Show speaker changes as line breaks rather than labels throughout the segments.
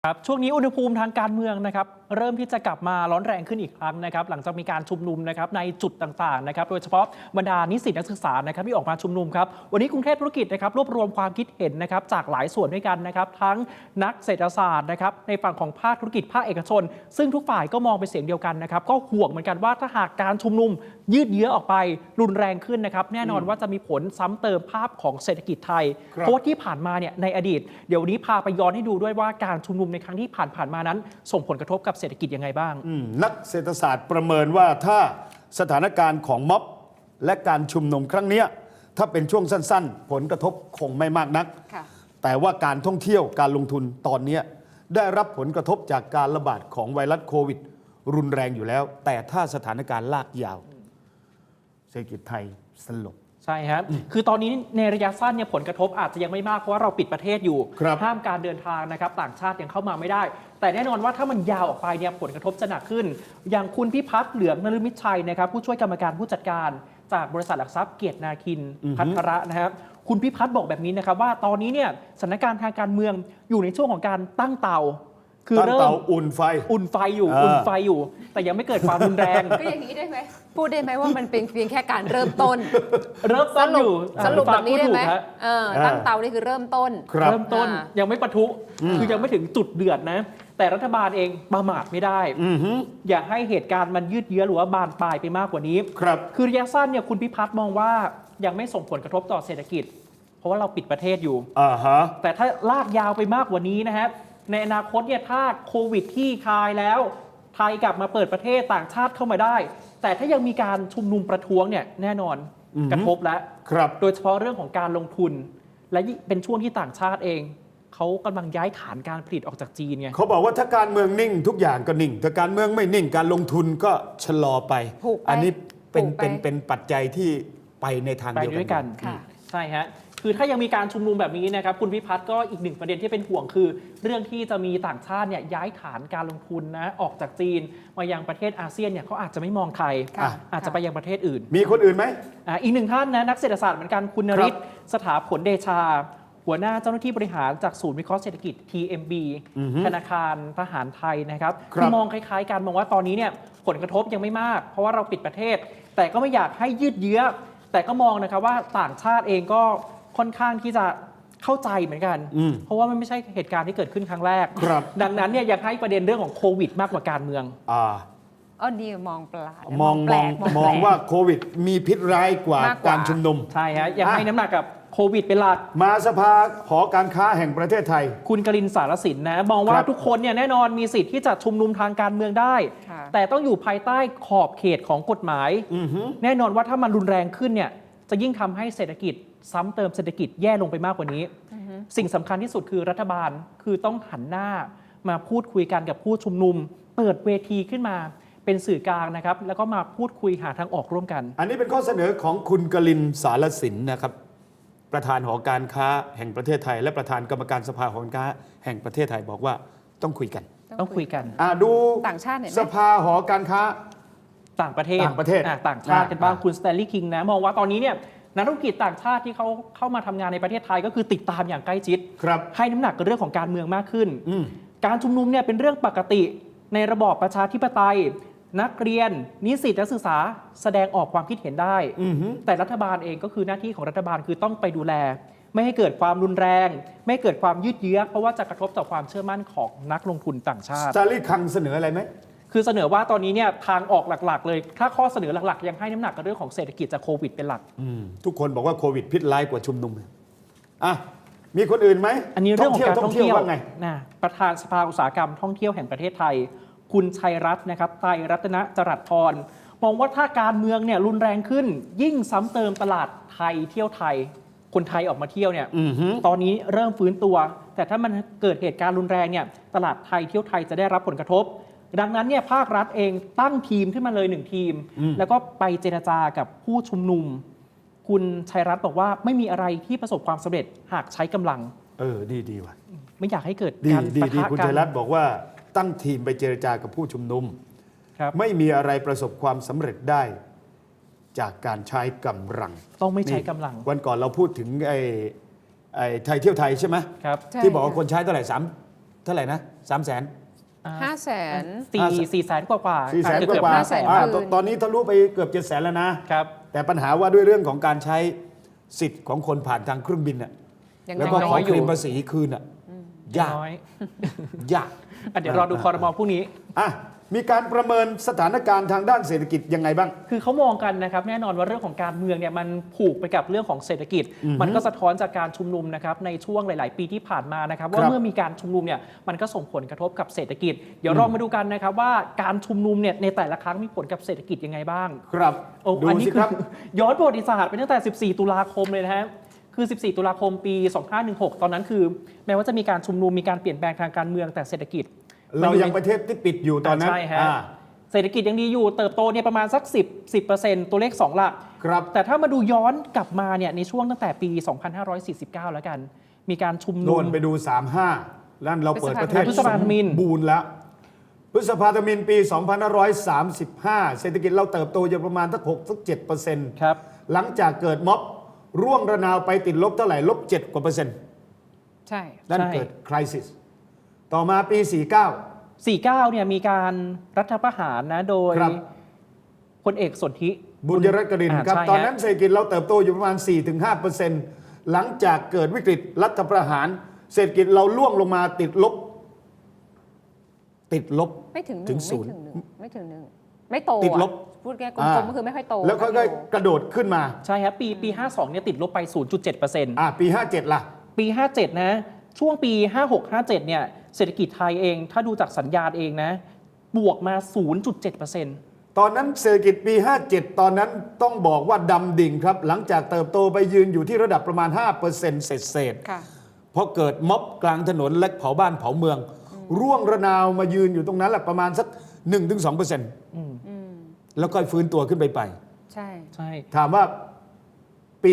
ครับช่วงนี้อุณหภูมิทางการเมืองนะครับเริ่มที่จะกลับมาร้อนแรงขึ้นอีกครั้งนะครับหลังจากมีการชุมนุมนะครับในจุดต่างๆนะครับโดยเฉพาะบรรดานิสิตนักศึกษานะครับที่ออกมาชุมนุมครับวันนี้กรุงเทพธุรกิจนะครับรวบรวมความคิดเห็นนะครับจากหลายส่วนด้วยกันนะครับทั้งนักเศรษฐศาสตร์นะครับในฝั่งของภาคธุรกิจภาคเอกชนซึ่งทุกฝ่ายก็มองเป็นเสียงเดียวกันนะครับก็ห่วงเหมือนกันว่าถ้าหากการชุมนุมยืดเยื้อออกไปรุนแรงขึ้นนะครับแน่นอนว่าจะมีผลซ้ำเติมภาพของเศรษฐกิจไทยเพราะว่าที่ผ่านมาเนี่ยในอดีตเดี๋ยวนี้พาไปย้อนให้ดูด้วยว่าการชุมนุมในครั้งที่ผ่านมานั้นส่งผลกระทบกับเศรษฐกิจยังไงบ้าง
นักเศรษฐศาสตร์ประเมินว่าถ้าสถานการณ์ของม็อบและการชุมนุมครั้งนี้ถ้าเป็นช่วงสั้นๆผลกระทบคงไม่มากนักแต่ว่าการท่องเที่ยวการลงทุนตอนนี้ได้รับผลกระทบจากการระบาดของไวรัสโควิดรุนแรงอยู่แล้วแต่ถ้าสถานการณ์ลากยาวเศรษฐกิจไทยสลบ
ใช่ครับคือตอนนี้ในระยะสั้นเนี่ยผลกระทบอาจจะยังไม่มากเพราะว่าเราปิดประเทศอยู่ห้ามการเดินทางนะครับต่างชาติยังเข้ามาไม่ได้แต่แน่นอนว่าถ้ามันยาวออกไปเนี่ยผลกระทบจะหนักขึ้นอย่างคุณพิพัฒน์เหลืองนฤมิตชัยนะครับผู้ช่วยกรรมการผู้จัดการจากบริษัทหลักทรัพย์เกียรตินาคินพัทระนะครับคุณพิพัฒน์บอกแบบนี้นะครับว่าตอนนี้เนี่ยสถานการณ์ทางการเมืองอยู่ในช่วงของการตั้งเตา
คือเริ่มอุ่นไฟ
อยู่แต่ยังไม่เกิดความรุนแรง
ก็อย่างนี้ได้ไหมพูดได้ไหมว่ามันเป็นเพียงแค่การเริ่มต้น
อยู่
สรุปแบบนี้ได้ไหมตั้งเตานี่คือเริ่มต้น
ยังไม่ปะทุคือยังไม่ถึงจุดเดือดนะแต่รัฐบาลเองประมาทไม่ได้อย่าให้เหตุการณ์มันยืดเยื้อหรือว่าบานปลายไปมากกว่านี้คือระยะสั้นเนี่ยคุณพิพัฒน์มองว่ายังไม่ส่งผลกระทบต่อเศรษฐกิจเพราะว่าเราปิดประเทศอยู่แต่ถ้าลากยาวไปมากกว่านี้นะฮะในอนาคตเนี่ยถ้าโควิดที่คลายแล้วไทยกลับมาเปิดประเทศต่างชาติเข้ามาได้แต่ถ้ายังมีการชุมนุมประท้วงเนี่ยแน่นอนกระทบแล้วโดยเฉพาะเรื่องของการลงทุนและเป็นช่วงที่ต่างชาติเองเขากำลังย้ายฐานการผลิตออกจากจีนไง
เขาบอกว่าถ้าการเมืองนิ่งทุกอย่างก็นิ่งถ้าการเมืองไม่นิ่งการลงทุนก็ชะลอไปอันนี้เป็นปัจจัยที่ไปในทางเดียวกัน
ใช่ฮะคือถ้ายังมีการชุมนุมแบบนี้นะครับคุณพิพัฒน์ก็อีกหนึ่งประเด็นที่เป็นห่วงคือเรื่องที่จะมีต่างชาติเนี่ยย้ายฐานการลงทุนนะออกจากจีนมายังประเทศอาเซียนเนี่ยเขาอาจจะไม่มองไทยอาจจะไปยังประเทศอื่น
มีคนอื่นไหม
อีกหนึ่งท่านนะนักเศรษฐศาสตร์เหมือนกันคุณนฤทธิ์สถาผลเดชาหัวหน้าเจ้าหน้าที่บริหารจากศูนย์วิเคราะห์เศรษฐกิจ TMB ธนาคารทหารไทยนะครับคือมองคล้ายๆกันมองว่าตอนนี้เนี่ยผลกระทบยังไม่มากเพราะว่าเราปิดประเทศแต่ก็ไม่อยากให้ยืดเยื้อแต่ก็มองนะครับว่าต่างชาติเองก็ค่อนข้างที่จะเข้าใจเหมือนกันเพราะว่ามันไม่ใช่เหตุการณ์ที่เกิดขึ้นครั้งแรกดังนั้นเนี่ยยังให้ประเด็นเรื่องของโควิดมากกว่าการเมือง
นี่มองปลา
มองว่าโควิดมีพิษร้ายกว่าการชุมนุม
ใช่ฮะยังให้น้ำหนักกับโควิดเป็นหลัก
มาสภาหอการค้าแห่งประเทศไทย
คุณกลินสารสินนะมองว่าทุกคนเนี่ยแน่นอนมีสิทธิ์ที่จะชุมนุมทางการเมืองได้แต่ต้องอยู่ภายใต้ขอบเขตของกฎหมายแน่นอนว่าถ้ามันรุนแรงขึ้นเนี่ยจะยิ่งทำให้เศรษฐกิจซ้ำเติมเศรษฐกิจแย่ลงไปมากกว่านี้สิ่งสำคัญที่สุดคือรัฐบาลคือต้องหันหน้ามาพูดคุยกันกับผู้ชุมนุมเปิดเวทีขึ้นมาเป็นสื่อกลางนะครับแล้วก็มาพูดคุยหาทางออกร่วมกัน
อันนี้เป็นข้อเสนอของคุณกลินสารสินนะครับประธานหอการค้าแห่งประเทศไทยและประธานกรรมการสภาหอการค้าแห่งประเทศไทยบอกว่าต้องคุยกันดู
ต่างชาติ
สภาหอการค้า
ต่างประเทศต่างชาติกันบ้างคุณสแตนลีย์คิงนะมองว่าตอนนี้เนี่ยนักธุรกิจต่างชาติที่เขาเข้ามาทำงานในประเทศไทยก็คือติดตามอย่างใกล้ชิดให้น้ำหนักกับเรื่องของการเมืองมากขึ้นการชุมนุมเนี่ยเป็นเรื่องปกติในระบอบประชาธิปไตยนักเรียนนิสิตนักศึกษาแสดงออกความคิดเห็นได้แต่รัฐบาลเองก็คือหน้าที่ของรัฐบาลคือต้องไปดูแลไม่ให้เกิดความรุนแรงไม่เกิดความยืดเยื้อเพราะว่าจะกระทบต่อความเชื่อมั่นของนักลงทุนต่างชาติ
สตาลีคังเสนออะไรไหม
คือเสนอว่าตอนนี้เนี่ยทางออกหลักๆเลยถ้าข้อเสนอหลักๆยังให้น้ำหนักกับเรื่องของเศรษฐกิจจากโควิดเป็นหลัก
ทุกคนบอกว่าโควิดพิษร้ายกว่าชุมนุมมีคนอื่นไหม
อันนี้เรื่องของการท่องเที่ยวว่าไงประธานสภาอุตสาหกรรมท่องเที่ยวแห่งประเทศไทยคุณชัยรัตน์นะครับไตรรัตนจรัสพรมองว่าถ้าการเมืองเนี่ยรุนแรงขึ้นยิ่งซ้ำเติมตลาดไทยเที่ยวไทยคนไทยออกมาเที่ยวเนี่ยตอนนี้เริ่มฟื้นตัวแต่ถ้ามันเกิดเหตุการณ์รุนแรงเนี่ยตลาดไทยเที่ยวไทยจะได้รับผลกระทบดังนั้นเนี่ยภาครัฐเองตั้งทีมขึ้นมาเลย1ทีมแล้วก็ไปเจรจากับผู้ชุมนุมคุณชัยรัตน์บอกว่าไม่มีอะไรที่ประสบความสำเร็จหากใช้กำลัง
ดีว่ะ
ไม่อยากให้เกิดการปะทะกัน
คุณชัยรัตน์บอกว่าตั้งทีมไปเจรจากับผู้ชุมนุมไม่มีอะไรประสบความสำเร็จได้จากการใช้กำลัง
ต้องไม่ใช้กำลัง
วันก่อนเราพูดถึงไทยเที่ยวไทยใช่ไหมที่บอกว่าคนใช้เท่าไหร่เท่าไหร่นะ300,000
500,000
4 แสนกว่าๆ
400,000
อาจจะ
ก
เกือบ
ว่า
500,000
ตอนนี้ทะลุไปเกือบ700,000แล้วนะ
ครับ
แต่ปัญหาว่าด้วยเรื่องของการใช้สิทธิ์ของคนผ่านทางเครื่องบินน่ะ
ยัง
แล้ว
น้
ก็
อย
ขอ
อ
เคล
ยู่
มภาษีคืนน่ะยาก
น้อย
ยาก
เดี๋ยวรอดูคอรมอพรุ่งนี้
อ่ะมีการประเมินสถานการณ์ทางด้านเศรษฐกิจยังไงบ้าง
คือเขามองกันนะครับแน่นอนว่าเรื่องของการเมืองเนี่ยมันผูกไปกับเรื่องของเศรษฐกิจ มันก็สะท้อนจากการชุมนุมนะครับในช่วงหลาย ๆ ปีที่ผ่านมานะครับว่าเมื่อมีการชุมนุมเนี่ยมันก็ส่งผลกระทบกับเศรษฐกิจ เดี๋ยวเรามาดูกันนะครับว่าการชุมนุมเนี่ยในแต่ละครั้งมีผลกับเศรษฐกิจยังไงบ้าง
ครับ
โอ้
ดู
อันนี้
สิ
คื
ครับ
ย้อนประวัติศาสตร์ไปตั้งแต่ 14 ตุลาคมเลยนะฮะคือ 14 ตุลาคมปี 2516 ตอนนั้นคือแม้ว่าจะมีการชุมนุมมีการเปลี่ยนแปลงทางการเมืองแต่เศรษฐกิจ
เรายังประเทศที่ปิดอยู่ตอนนั้น
ใช่ฮะเศรษฐกิจยังดีอยู่เติบโตเนี่ยประมาณสัก 10% ตัวเลข 2 หลัก
ครับ
แต่ถ้ามาดูย้อนกลับมาเนี่ยในช่วงตั้งแต่ปี 2549 แล้วกัน มีการชุมนุ
โน่
ม
นไปดู 35แล้วเราเปิดประเทศ
พฤษภาธมิญ
บูรณ์แล้วพฤษภาธมิญปี 2535 เศรษฐกิจเราเติบโตอยู่ประมาณสัก6-7%
ครับ
หลังจากเกิดม็อบร่วงระนาวไปติดลบเท่าไหร่ลบ7%กว่าเปอร์เซ็นต์
ใช่
นั่น
ใช่
เกิดคริสิสต่อมาปี 49
49 เนี่ยมีการรัฐประหารนะโดย
ครับ
พลเอกสนธิ
บุญยรัตน์กรินทร์ครับ
ใช่ฮะ
ตอนนั้นเศรษฐกิจเราเติบโตอยู่ประมาณ 4-5%หลังจากเกิดวิกฤตรัฐประหาร เศรษฐกิจเราล่วงลงมาติดลบ
ไม่ถึง
ถึง
1
ศูนย์
ไม่ถึง 1 ไม่โต
ติดลบ
พูดแค่กลมๆก็คือไม่ค่อยโต
แล้วก็
นะพี่โอ
กระโดดขึ้นมา
ใช่ครับปี 52 เนี่ยติดลบไป 0.7%
ปี 57 ล่ะ
ปี 57 นะ ช่วงปี 56-57 เนี่ยเศรษฐกิจไทยเอง ถ้าดูจากสัญญาณเองนะ บวกมา 0.7%
ตอนนั้นเศรษฐกิจปี 57 ตอนนั้นต้องบอกว่าดำดิ่งครับ หลังจากเติบโตไปยืนอยู่ที่ระดับประมาณ 5% เศษ
ค่ะ
เพราะเกิดม็อบกลางถนนและเผาบ้านเผาเมือง ร่วงระนาวมายืนอยู่ตรงนั้นแหละประมาณสัก 1-2% แล้วก็ฟื้นตัวขึ้นไป
ใช่
ใช่
ถามว่าปี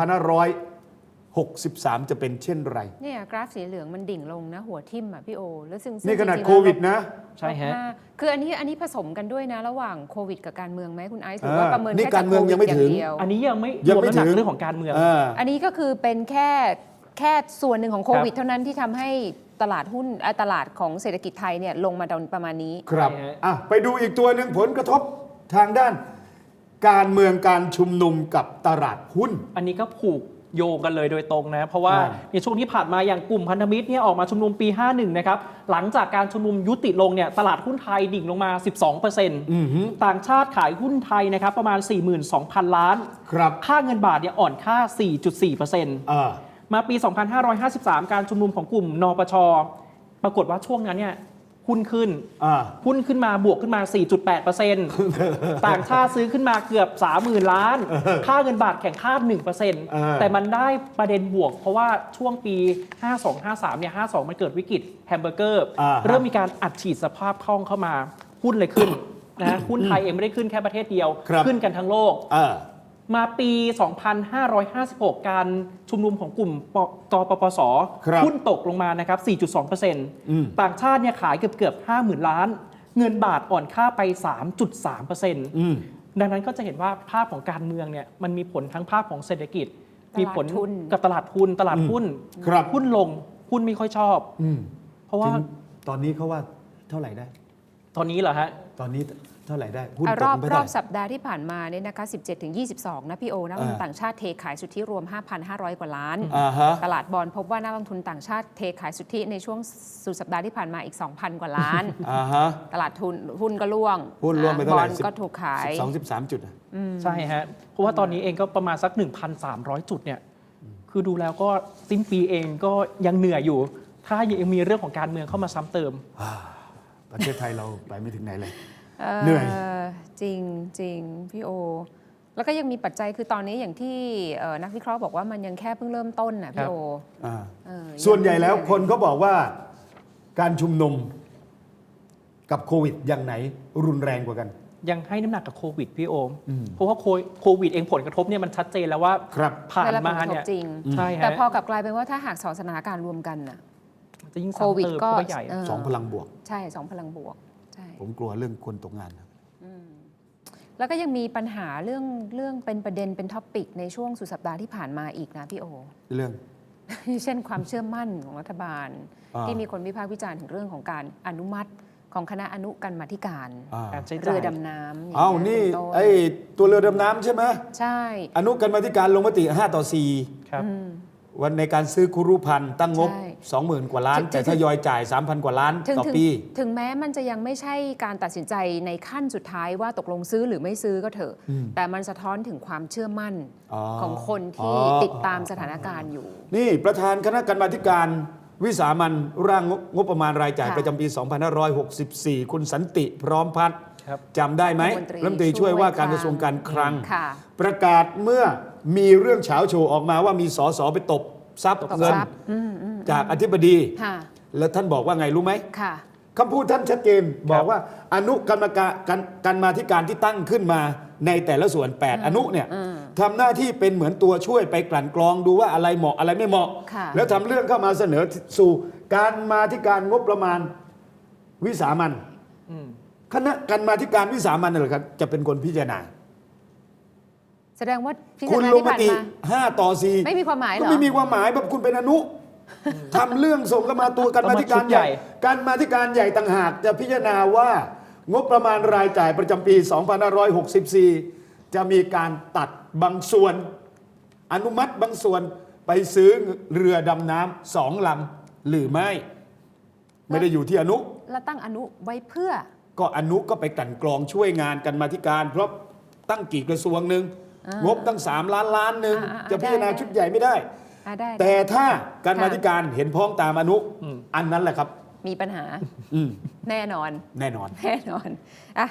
2563 จะเป็นเช่นไร
เนี่ยกราฟสีเหลืองมันดิ่งลงนะ หัวทิ่มอ่ะพี่โอแล้วซึ่ง
นี่ขนาด
จริงๆ
โควิดนะ
ใช่ฮะ
คืออันนี้ผสมกันด้วยนะ ระหว่างโควิดกับการเมืองไหมคุณไอซ์หรือว่าประเมิน
นี่
แค่
กา
จาก
รเมื
โค
อง
วิ
ยั
ด
งไม่
อย่า
ถึง
งเดียว
อันนี้ยังไม่
ยั
รง วม
ไม่
น้ำหนัก
ถึง
เรื่องของการเมือง
อันนี้ก็คือเป็นแค่ส่วนหนึ่งของโควิดเท่านั้นที่ทำให้ตลาดหุ้นตลาดของเศรษฐกิจไทยเนี่ยลงมาประมาณนี้
ครับ
ใช่ฮะ
ไปดูอีกตัวหนึ่งผลกระทบทางด้าน การเมืองการชุมนุมกับตลาดหุ้น
อันนี้ก็ผูกโยงกันเลยโดยตรงนะ เพราะว่า
อ่า
ในช่วงที่ผ่านมาอย่างกลุ่มพันธมิตรเนี่ยออกมาชุมนุมปี 51 นะครับ หลังจากการชุมนุมยุติลงเนี่ยตลาดหุ้นไทยดิ่งลงมา 12%ต่างชาติขายหุ้นไทยนะครับประมาณ 42,000 ล้าน
ครับ
ค่าเงินบาทเนี่ยอ่อนค่า 4.4% มาปี 2553 การชุมนุมของกลุ่มนปช ปรากฏว่าช่วงนั้นเนี่ยหุ้นขึ้น หุ้นขึ้นมาบวกขึ้นมา 4.8% ต่างชาติซื้อขึ้นมาเกือบ 30,000 ล้าน ค่าเงินบาทแข่งค่า 1% แต่มันได้ประเด็นบวก เพราะว่าช่วงปี 52-53 เนี่ย 52 มันเกิดวิกฤตแฮมเบอร์เกอร์ เริ่มมีการอัดฉีดสภาพคล่องเข้ามา หุ้นเลยขึ้นนะหุ้นไทยเองไม่ได้ขึ้นแค่ประเทศเดียว ขึ้นกันทั้งโลก มาปี 2556 การชุมนุมของกลุ่มกปปส หุ้นตกลงมานะครับ 4.2% ต่างชาติเนี่ยขายเกือบ 50,000 ล้าน เงินบาทอ่อนค่าไป 3.3% ดังนั้นก็จะเห็นว่าภาพของการเมืองเนี่ยมันมีผลทั้งภาพของเศรษฐกิจ มีผลกับตลาดหุ้นหุ้นลง หุ้นไม่ค่อยชอบ เพราะว่า
ตอนนี้เขาว่าเท่าไหร่ได้
ตอนนี้เหรอฮะ
ตอนนี้เท่าไหร่ได้หุ้นตก
รอบ
ไปเท่าไหร่
สัปดาห์ที่ผ่านมาเนี่ยนะคะ 17-22 นะพี่โอนักลงทุนต่างชาติเทขายสุทธิรวม 5,500 กว่าล้าน ตลาดบอนด์พบว่านักลงทุนต่างชาติเทขายสุทธิในช่วงสุดสัปดาห์ที่ผ่านมาอีก 2,000 กว่าล้าน ตลาดทุนหุ้นก็ร่วง
หุ้นร่วงไปเท่าไหร่
บอนด์ก็ถูกขาย
12-13 จุด
ใช่ฮะ เพราะว่าตอนนี้เองก็ประมาณสัก 1,300 จุดเนี่ย คือดูแล้วก็สิ้นปีเองก็ยังเหนื่อยอยู่ ถ้ายังมีเรื่องของการเมืองเข้ามาซ้ำเติม
ประเทศไทยเราไปไม่ถึงไหนเลย เหนื่อย
จริงพี่โอ แล้วก็ยังมีปัจจัยคือตอนนี้อย่างที่นักวิเคราะห์บอกว่ามันยังแค่เพิ่งเริ่มต้นนะพี่โอ
ส่วนใหญ่แล้วคนเขาบอกว่าการชุมนุมกับโควิดอย่างไหนรุนแรงกว่ากัน
ยังให้น้ำหนักกับโควิดพี่โอม เพราะว่าโควิดเองผลกระทบเนี่ยมันชัดเจนแล้วว่า
ครับ
ผ่านมาเนี่ย
จริง
ใช่ฮะ
แต่พอกลับกลายเป็นว่าถ้าหากสองสถานการณ์รวมกันน่ะ
จะยิ่ง
โควิด
ซ้ำเติม
ก็
เข้าไปใหญ่
สองพลังบวก
ใช่สองพลังบวกใช่
ผมกลัวเรื่องคนตกงานนะ
แล้วก็ยังมีปัญหาเรื่องเป็นประเด็นเป็นท็อปิกในช่วงสุดสัปดาห์ที่ผ่านมาอีกนะพี่โอ
เรื่อง
เช่นความเชื่อมั่นของรัฐบาล
อ่า
ที่มีคนวิพากษ์วิจารณ์ถึงเรื่องของการอนุมัติของคณะอนุกรรมาธิการ
การใช้จ่าย
เรือดำน้ำย่ง
เอ้า
งี้ย
นี่
เป็ต้
ไอ้ตัวเรือดำน้ำใช่ไหม
ใช่
อนุกรรมาธิการลงมติ5 ต่อ
ครับ
4 วันในการซื้อคุรุพันธ์ตั้งงบ
ใช่
20,000 กว่าล้าน
ถึง
แต่ทยอยจ่าย 3,000 กว่าล้าน
ถึง
ต่อ
ถึง
ปี
ถึงแม้มันจะยังไม่ใช่การตัดสินใจในขั้นสุดท้ายว่าตกลงซื้อหรือไม่ซื้อก็เถอะ แต่มันสะท้อนถึงความเชื่อมั่น
อ๋อ
ของคนที่
อ๋อ
ติดตามสถานการณ์อยู่
นี่ประธานคณะกรรมาธิการวิสามัญร่างงบประมาณรายจ่าย
ค่ะ
ประจำปี 2564 คุณสันติพร้อมพัฒน์
ครับ
จำได้ไหม
รัฐมนตรี
ช่วยว่าการ
ช่วย
กระทรวงการคลัง
ค่ะ
ประกาศเมื่อมีเรื่องเฉาโชว์ออกมาว่ามีสสไปตบทรัพย์
ตบ
เงิน
ทรัพย์
จากอธิบดี
ค่ะ
แล้วท่านบอกว่าไงรู้ไหม
ค่ะ
คำพูดท่านชัดเจนบอกว่าอนุกรรมการมาธิการที่ตั้งขึ้นมาในแต่ละส่วน 8 อนุเนี่ยทำหน้าที่เป็นเหมือนตัวช่วยไปกลั่นกรองดูว่าอะไรเหมาะอะไรไม่เหมาะ
ค่ะ
แล้วทำเรื่องเข้ามาเสนอสู่การมาธิการงบประมาณวิสามัญคณะกรรมาธิการวิสามัญนั่นแหละครับจะเป็นคนพิจารณา
แสดงว่าพิ
คุ
จาร
ณ
ณา
ลง
ที่
ม
ผ่าน
ติ
มา
5 ต่อ 4
ไม่มีความหมายเหร
ก็
อ
ไม่มีความหมายแบบคุณเป็นอนุทำเรื่องส่งเข้ามาตัวการมาธิการใหญ่การมาธิการใหญ่ต่างหากจะพิจารณาว่างบประมาณรายจ่ายประจำปี 2564 จะมีการตัดบางส่วน อนุมัติบางส่วนไปซื้อเรือดำน้ำ2 ลำหรือไม่ ไม่ได้อยู่ที่อนุ
แล้วตั้งอนุไว้เพื่อ
ก็อนุก็ไปกลั่นกรองช่วยงานกันมาธิการ เพราะตั้งกี่กระทรวงหนึ่งงบตั้ง3 ล้านหนึ่ง จะพิจารณาชุดใหญ่ไม่ได้
ได้
แต่ถ้าการ
ค่ะ
มาธิการเห็นพ้องตามอนุ อันนั้นแหละครับ
มีปัญหา
อืม
แน่นอน
แน่นอน
แน่นอนอ่ะ